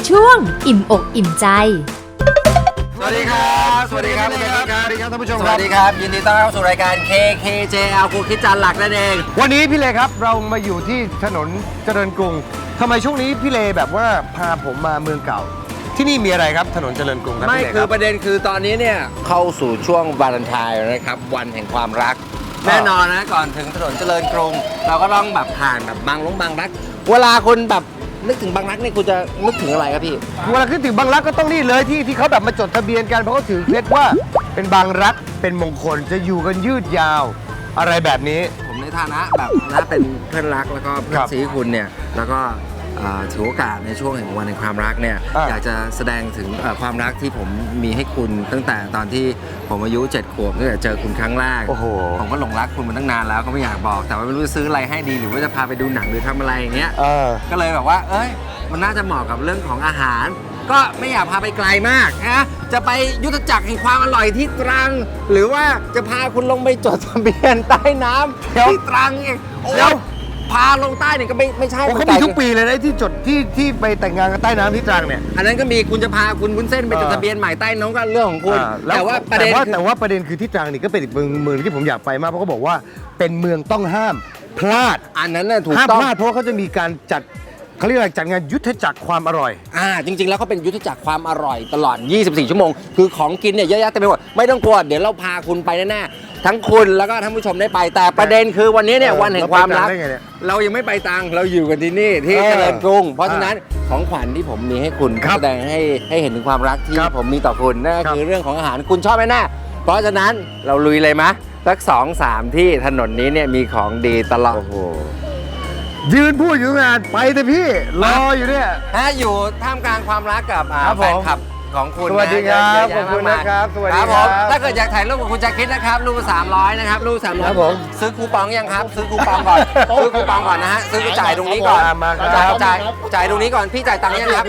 ช่วงอิ่มอกอิ่มใจสวัสดีครับสวัสดีครับสวัสดีครับท่านผู้ชมสวัสดีครับยินดีต้อนรับสู่รายการ KKJL ครูคิดจานหลักนั่นเองวันนี้พี่เลครับเรามาอยู่ที่ถนนเจริญกรุงทำไมช่วงนี้พี่เลแบบว่าพาผมมาเมืองเก่าที่นี่มีอะไรครับถนนเจริญกรุงครับไม่คือประเด็นคือตอนนี้เนี่ยเข้าสู่ช่วงวาเลนไทน์นะครับวันแห่งความรักแน่นอนนะก่อนถึงถนนเจริญกรุงเราก็ต้องแบบผ่านแบบบางรักเวลาคนแบบนึกถึงบางรักนี่คุณจะนึกถึงอะไรครับพี่เวลาคิดถึงบางรักก็ต้องนี่เลยที่เขาแบบมาจดทะเบียนกันเพราะเขาถือเคล็ดว่าเป็นบางรักเป็นมงคลจะอยู่กันยืดยาวอะไรแบบนี้ผมในฐานะแบบนะเป็นเพื่อนรักแล้วก็เพื่อนซีคุณเนี่ยแล้วก็ถือโอกาสในช่วงแห่งวันแห่งความรักเนี่ยอยากจะแสดงถึงความรักที่ผมมีให้คุณตั้งแต่ตอนที่ผมอายุ7 ขวบตั้งแต่เจอคุณครั้งแรกผมก็หลงรักคุณมาตั้งนานแล้วก็ไม่อยากบอกแต่ว่าไม่รู้จะซื้ออะไรให้ดีหรือว่าจะพาไปดูหนังหรือทำอะไรอย่างเงี้ยก็เลยแบบว่าเอ้ยมันน่าจะเหมาะกับเรื่องของอาหารก็ไม่อยากพาไปไกลมากนะจะไปยุทธจักรแห่งความอร่อยที่ตรังหรือว่าจะพาคุณลงไปจดทะเบียนใต้น้ำที่ตรังเองแล้วพาลงใต้เนี่ยก็ไม่ใช่เขามีทุกปีเลยนะที่จดที่ไปแต่งงานกันใต้น้ำที่ตรังเนี่ยอันนั้นก็มีคุณจะพาคุณวุ้นเส้นไปจดทะเบียนใหม่ใต้น้ำก็เรื่องของคุณแต่ว่าประเด็นคือที่ตรังนี่ก็เป็นอีกเมืองที่ผมอยากไปมากเพราะเขาบอกว่าเป็นเมืองต้องห้ามพลาดอันนั้นน่ะถูกต้องห้ามพลาดเพราะเขาจะมีการจัดเขาเรียกอะไรจัดงานยุทธจักรความอร่อยจริงๆแล้วเขาเป็นยุทธจักรความอร่อยตลอด24 ชั่วโมงคือของกินเนี่ยเยอะแยะเต็มไปหมดไม่ต้องกลัวเดี๋ยวเราพาคุณไปแน่ๆทั้งคุณแล้วก็ท่านผู้ชมได้ไปแต่ประเด็นคือวันนี้เนี่ยวันแห่งความรักเรายังไม่ไปตังเราอยู่กันที่นี่ที่เจริญกรุงเพราะฉะนั้นของขวัญที่ผมมีให้คุณแสดงให้เห็นถึงความรักที่ผมมีต่อคุณนั่นคือเรื่องของอาหารคุณชอบไหมแน่เพราะฉะนั้นเราลุยเลยมะสัก 2-3 ที่ถนนนี้เนี่ยมีของดีตลอดยืนพูดอยู่งานไปแต่พี่รออยู่เนี่ยอยู่ท่ามกลางความรักกับแฟนคลับของคุณสวัสดีครับขอบคุณนะครับสวัสดีครับถ้าเกิดอยากถ่ายรูปกับคุณจะคิดนะครับรูป300นะครับรูป300ผมซื้อคูปองยังครับซื้อคูปองก่อนซื้อคูปองก่อนนะฮะซื้อจ่ายตรงนี้ก่อนจ่ายตรงนี้ก่อนพี่จ่ายตังค์ยังครับ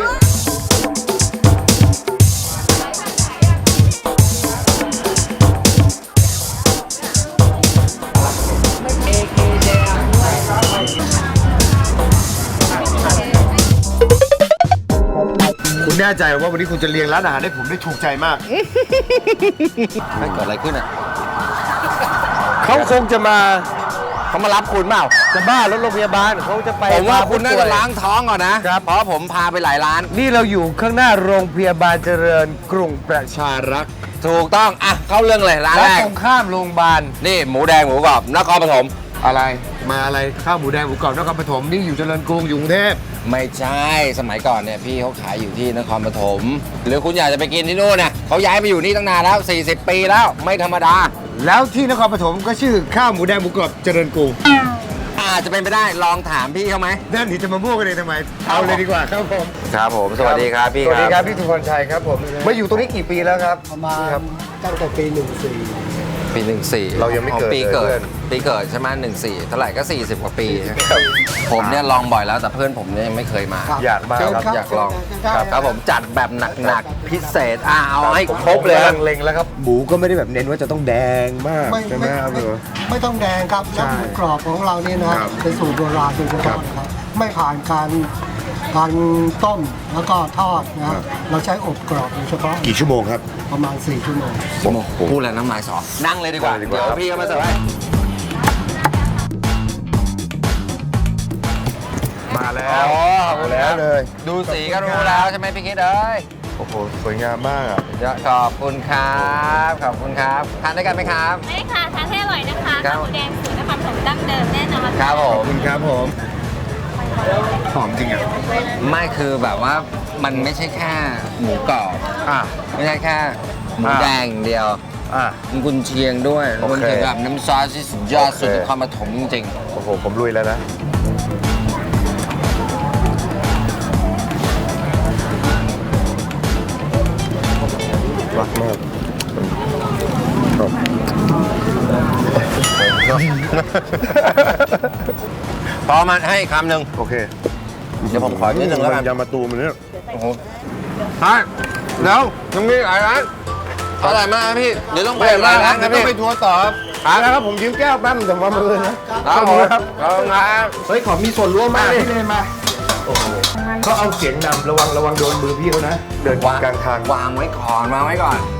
คุณแน่ใจว่าวันนี้คุณจะเลี้ยงร้านอาหารให้ผมได้ถูกใจมากไม่เกิดอะไรขึ้นอ่ะเขาคงจะมารับคุณเปล่าจะบ้ารถโรงพยาบาลเขาจะไปผมว่าคุณน่าจะล้างท้องก่อนนะเพราะผมพาไปหลายร้านนี่เราอยู่ข้างหน้าโรงพยาบาลเจริญกรุงประชารักษ์ถูกต้องเข้าเรื่องเลยร้านแรกตรงข้ามโรงพยาบาลนี่หมูแดงหมูกรอบนครปฐมอะไรมาอะไรข้าวหมูแดงหมูกรอบนครปฐมนี่อยู่เจริญกรุงอยู่กรุงเทพไม่ใช่สมัยก่อนเนี่ยพี่เขาขายอยู่ที่นครปฐมหรือคุณอยากจะไปกินที่นู่นนะเขาย้ายมาอยู่นี่ตั้งนานแล้ว40 ปีแล้วไม่ธรรมดาแล้วที่นครปฐมก็ชื่อข้าวหมูแดงหมูกรอบเจริญกรุงอาจจะเป็นไปได้ลองถามพี่เขาไหมนั่นนี่จะมามั่วกันเลยทำไมเอาเลยดีกว่าครับผมครับผมสวัสดีครับพี่สวัสดีครับพี่สุพรชัยครับผมมาอยู่ตรงนี้กี่ปีแล้วครับประมาณตั้งแต่ปี14 ปี14 เรายังไม่เกิดปีเกิดใช่ไหม14เท่าไหร่ก็40 กว่าปีผมเนี่ยลองบ่อยแล้วแต่เพื่อนผมเนี่ยยังไม่เคยมาอยากมาครับอยากลองครับผมจัดแบบหนักพิเศษเอาให้ครบเลยเล็งแล้วครับหมูก็ไม่ได้แบบเน้นว่าจะต้องแดงมากใช่ไหมครับไม่ต้องแดงครับแล้วหมูกรอบของเราเนี่ยนะเป็นสูตรโบราณโดยเฉพาะนะครับไม่ผ่านการต้มแล้วก็ทอดนะเราใช้อบกรอบโดยเฉพาะกี่ชั่วโมงครับประมาณ4 ชั่วโมงพูดแล้วน้ำลายสอนั่งเลยดีกว่าเดี๋ยวพี่ก็มาเสิร์ฟให้มาแล้วเลยดูสีก็รู้แล้วใช่ไหมพี่คิดโอ้โหสวยงามมากขอบคุณครับขอบคุณครับทานได้กันไหมครับได้ค่ะทานให้อร่อยนะคะข้าวหมูแดงสูตรนครปฐมดั้งเดิมแน่นอนครับผมขอบคุณครับผมหอมจริงอ่ะไม่คือแบบว่ามันไม่ใช่แค่หมูกรอบไม่ใช่แค่หมูแดงเดียวมันกุนเชียงด้วยกุนเชียงแบบน้ำซอสที่สุดยอดสุดนครปฐมจริงโอ้โหผมลุยแล้วนะรักมากพอมาให้คำหนึ่งโอเคเดี๋ยวผมขอนิดนึงแล้วกันยำมะตูมเนี่ยโอ้โหแล้วยังมีหลายร้านอร่อยมากครับพี่เดี๋ยวต้องไปหลายร้านครับพี่ต้องไปทัวร์ต่อครับผมยืมแก้วแป๊บแต่ว่ามือนะครับครับเฮ้ยขอมีส่วนร่วมมากเลยมาโอเขาเอาเสียงนำระวังโดนมือพี่เขานะ เดินกลางทางวางไว้ก่อน